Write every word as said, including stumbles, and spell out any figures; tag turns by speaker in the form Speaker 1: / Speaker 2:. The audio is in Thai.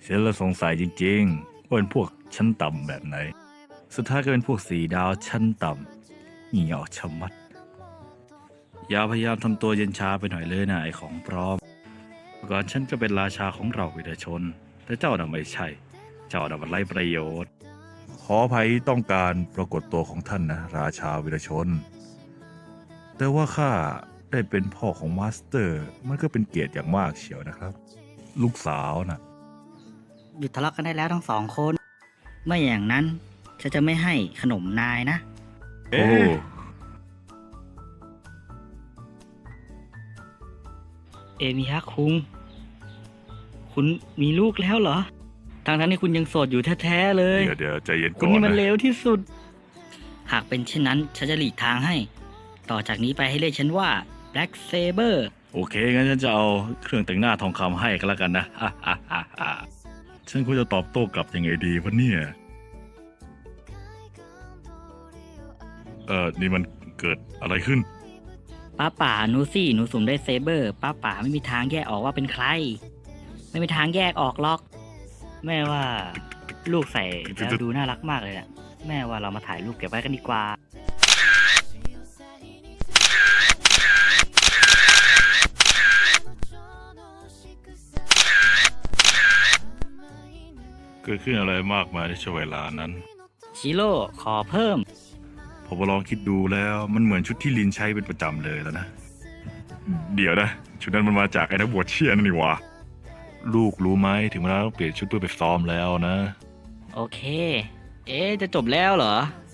Speaker 1: ฉันละสงสัยจริงๆว่าเป็นพวกชั้นต่ำแบบไหน สุดท้ายก็เป็นพวกสีดาวชั้นต่ำเหี่ยวชะมัด อย่าพยายามทำตัวเย็นชาไปหน่อยเลยนะไอของปลอมเมื่อก่อนฉันก็เป็นราชาของเราวิรชน แต่เจ้าน่ะไม่ใช่ เจ้าน่ะมันไร้ประโยชน์ ขออภัยต้องการปรากฏตัวของท่านนะราชาวิรชน แต่ว่าข้าได้เป็นพ่อของมาสเตอร์ มันก็เป็นเกียรติอย่างมากเชียวนะครับ ลูกสาวน่ะ
Speaker 2: หยุดทะเลาะกันได้แล้วทั้งสองคน ไม่อย่างนั้นฉันจะไม่ให้ขนมนายนะ
Speaker 1: โอ้
Speaker 2: เอมิฮะคุง คุณมีลูกแล้วเหรอ ทางทั้งที่คุณยังโสดอยู่แท้ๆเลย
Speaker 1: เดี๋ยวเดี๋ยวใจเย็นก่
Speaker 2: คุ
Speaker 1: อ
Speaker 2: ณ
Speaker 1: น
Speaker 2: นี่มัน
Speaker 1: นะ
Speaker 2: เลวที่สุด หากเป็นเช่นนั้นฉันจะหลีกทางให้ ต่อจากนี้ไปให้เรียกฉันว่า Black Saber
Speaker 1: โอเค งั้นฉันจะเอาเครื่องแต่งหน้าทองคำให้ก็แล้วกันนะ ฉันควรจะตอบโต้กลับยังไงดีวะเนี่ย เออนี่มันเกิดอะไรขึ้น
Speaker 2: ป้าป่าหนูสิหนูสุ่มได้เซเบอร์ป้าป่าไม่มีทางแยกออกว่าเป็นใคร ไม่มีทางแยกออกหรอก แม่ว่าลูกใส่แล้วดูน่ารักมากเลยอะแม่ว่าเรามาถ่ายรูปเก็บไว้กันดีกว่า
Speaker 1: เกิดขึ้นอะไรมากมายในช่วงเวลานั้น
Speaker 2: ชิโร่ขอเพิ่ม
Speaker 1: ผมลองคิดดูแล้วมันเหมือนชุดที่ลินใช้เป็นประจำเลยแล้วนะ เดี๋ยวนะ ชุดนั้นมันมาจากไอ้นักบวชเชียนั่นนี่หวะลูกรู้ไหมถึงเวลาต้องเปลี่ยนชุดเพื่อไปซ้อมแล้วนะ
Speaker 2: โอเค เอ๊ะจะจบแล้วเหรอ